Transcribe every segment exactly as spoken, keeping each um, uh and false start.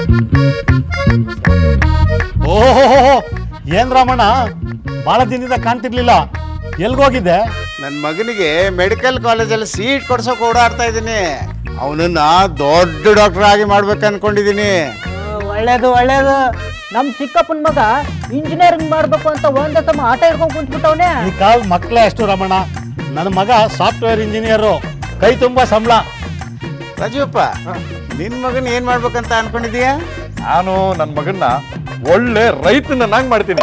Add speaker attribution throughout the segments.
Speaker 1: ಓಹೋ, ಏನ್ ರಾಮಣ್ಣ, ಬಹಳ ದಿನದಿಂದ ಕಾಣ್ತಿರ್ಲಿಲ್ಲ, ಎಲ್ಗೋಗಿದ್ದೆ?
Speaker 2: ನನ್ನ ಮಗನಿಗೆ ಮೆಡಿಕಲ್ ಕಾಲೇಜಲ್ಲಿ ಸೀಟ್ ಕೊಡ್ಸೋಕೆ ಓಡಾಡ್ತಾ ಇದ್ದೀನಿ. ಅವನನ್ನ ದೊಡ್ಡ ಡಾಕ್ಟರ್ ಆಗಿ ಮಾಡ್ಬೇಕು ಅನ್ಕೊಂಡಿದ್ದೀನಿ.
Speaker 3: ಒಳ್ಳೇದು ಒಳ್ಳೇದು. ನಮ್ ಚಿಕ್ಕಪ್ಪನ ಮಗ ಇಂಜಿನಿಯರಿಂಗ್ ಮಾಡ್ಬೇಕು ಅಂತ ಒಂದೇ ಸಮ ಆಟ ಹಿಡ್ಕೊಂಡು ಕುಂತ್ಬಿಟ್ಟವನೇ.
Speaker 1: ಈ ಕಾಲ ಮಕ್ಕಳೇ ಅಷ್ಟು ರಮಣ. ನನ್ನ ಮಗ ಸಾಫ್ಟ್ವೇರ್ ಇಂಜಿನಿಯರು, ಕೈ ತುಂಬಾ ಸಂಬಳ.
Speaker 2: ರಾಜೀವಪ್ಪ, ನಿನ್ ಮಗನ್ ಏನ್ ಮಾಡ್ಬೇಕಂತ ಅನ್ಕೊಂಡಿದೀಯ?
Speaker 4: ನಾನು ನನ್ನ ಮಗನ್ನ ಒಳ್ಳೆ ರೈತನನ್ನಾಗಿ ಮಾಡ್ತೀನಿ.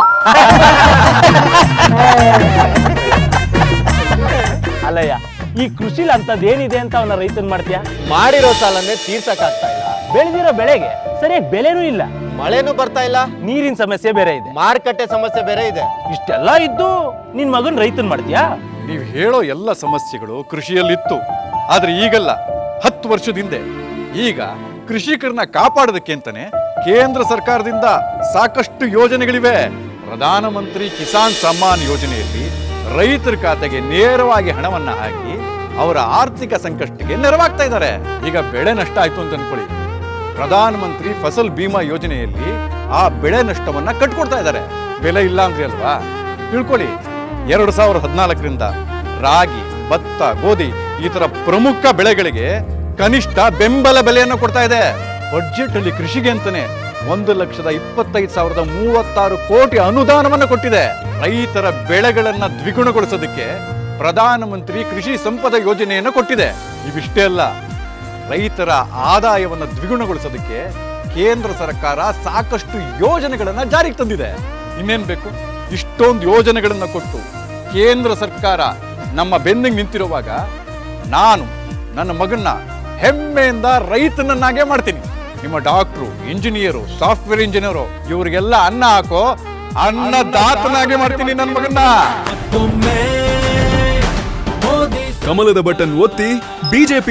Speaker 5: ಅಲ್ಲಯ್ಯ, ಈ ಕೃಷಿಲಿ ಅಂತದ್ ಏನಿದೆ ಅಂತ ಅವನ ರೈತನ್ ಮಾಡ್ತೀಯ? ಮಾಡಿರೋ ಸಾಲನ್ನೇ ತೀರ್ಸಕ್ ಆಗ್ತಾ ಇಲ್ಲ, ಬೆಳೆದಿರೋ ಬೆಳೆಗೆ ಸರಿಯಾಗಿ ಬೆಲೆನೂ ಇಲ್ಲ,
Speaker 6: ಮಳೆನೂ ಬರ್ತಾ ಇಲ್ಲ,
Speaker 5: ನೀರಿನ ಸಮಸ್ಯೆ ಬೇರೆ ಇದೆ,
Speaker 6: ಮಾರುಕಟ್ಟೆ ಸಮಸ್ಯೆ ಬೇರೆ ಇದೆ.
Speaker 5: ಇಷ್ಟೆಲ್ಲ ಇದ್ದು ನಿನ್ ಮಗನ್ ರೈತನ್ ಮಾಡ್ತೀಯಾ?
Speaker 4: ನೀವು ಹೇಳೋ ಎಲ್ಲ ಸಮಸ್ಯೆಗಳು ಕೃಷಿಯಲ್ಲಿತ್ತು, ಆದ್ರೆ ಈಗಲ್ಲ, ಹತ್ತು ವರ್ಷದ ಹಿಂದೆ. ಈಗ ಕೃಷಿಕರನ್ನ ಕಾಪಾಡೋದಕ್ಕೆ ಅಂತಾನೆ ಕೇಂದ್ರ ಸರ್ಕಾರದಿಂದ ಸಾಕಷ್ಟು ಯೋಜನೆಗಳಿವೆ. ಪ್ರಧಾನಮಂತ್ರಿ ಕಿಸಾನ್ ಸಮ್ಮಾನ್ ಯೋಜನೆಯಲ್ಲಿ ರೈತರ ಖಾತೆಗೆ ನೇರವಾಗಿ ಹಣವನ್ನ ಹಾಕಿ ಅವರ ಆರ್ಥಿಕ ಸಂಕಷ್ಟಕ್ಕೆ ನೆರವಾಗ್ತಾ ಇದ್ದಾರೆ. ಈಗ ಬೆಳೆ ನಷ್ಟ ಆಯ್ತು ಅಂತ ಅನ್ಕೊಳ್ಳಿ, ಪ್ರಧಾನಮಂತ್ರಿ ಫಸಲ್ ಬಿಮಾ ಯೋಜನೆಯಲ್ಲಿ ಆ ಬೆಳೆ ನಷ್ಟವನ್ನ ಕಟ್ಕೊಡ್ತಾ ಇದ್ದಾರೆ. ಬೆಲೆ ಇಲ್ಲ ಅಂದ್ರೆ ಅಲ್ವಾ? ತಿಳ್ಕೊಳ್ಳಿ, ಎರಡು ಸಾವಿರದ ಹದಿನಾಲ್ಕರಿಂದ ರಾಗಿ, ಭತ್ತ, ಗೋಧಿ ಈ ತರ ಪ್ರಮುಖ ಬೆಳೆಗಳಿಗೆ ಕನಿಷ್ಠ ಬೆಂಬಲ ಬೆಲೆಯನ್ನು ಕೊಡ್ತಾ ಇದೆ. ಬಡ್ಜೆಟ್ ಅಲ್ಲಿ ಕೃಷಿಗೆ ಅಂತಾನೆ ಒಂದು ಲಕ್ಷದ ಇಪ್ಪತ್ತೈದು ಸಾವಿರದ ಮೂವತ್ತಾರು ಕೋಟಿ ಅನುದಾನವನ್ನು ಕೊಟ್ಟಿದೆ. ರೈತರ ಬೆಳೆಗಳನ್ನ ದ್ವಿಗುಣಗೊಳಿಸೋದಕ್ಕೆ ಪ್ರಧಾನಮಂತ್ರಿ ಕೃಷಿ ಸಂಪದ ಯೋಜನೆಯನ್ನು ಕೊಟ್ಟಿದೆ. ಇವಿಷ್ಟೇ ಅಲ್ಲ, ರೈತರ ಆದಾಯವನ್ನು ದ್ವಿಗುಣಗೊಳಿಸೋದಕ್ಕೆ ಕೇಂದ್ರ ಸರ್ಕಾರ ಸಾಕಷ್ಟು ಯೋಜನೆಗಳನ್ನ ಜಾರಿಗೆ ತಂದಿದೆ. ಇನ್ನೇನ್ ಬೇಕು? ಇಷ್ಟೊಂದು ಯೋಜನೆಗಳನ್ನ ಕೊಟ್ಟು ಕೇಂದ್ರ ಸರ್ಕಾರ ನಮ್ಮ ಬೆನ್ನಿಗೆ ನಿಂತಿರುವಾಗ ನಾನು ನನ್ನ ಮಗನ್ನ ಹೆಮ್ಮೆಯಿಂದ ರೈತನನ್ನಾಗೆ ಮಾಡ್ತೀನಿ. ನಿಮ್ಮ ಡಾಕ್ಟ್ರು, ಇಂಜಿನಿಯರು, ಸಾಫ್ಟ್ವೇರ್ ಇಂಜಿನಿಯರು ಇವರಿಗೆಲ್ಲ ಅನ್ನ ಹಾಕೋ ಅನ್ನದಾತನಾಗೆ ಮಾಡ್ತೀನಿ ನನ್ನ ಮಗನ್ನ.
Speaker 7: ಕಮಲದ ಬಟನ್ ಒತ್ತಿ ಬಿಜೆಪಿ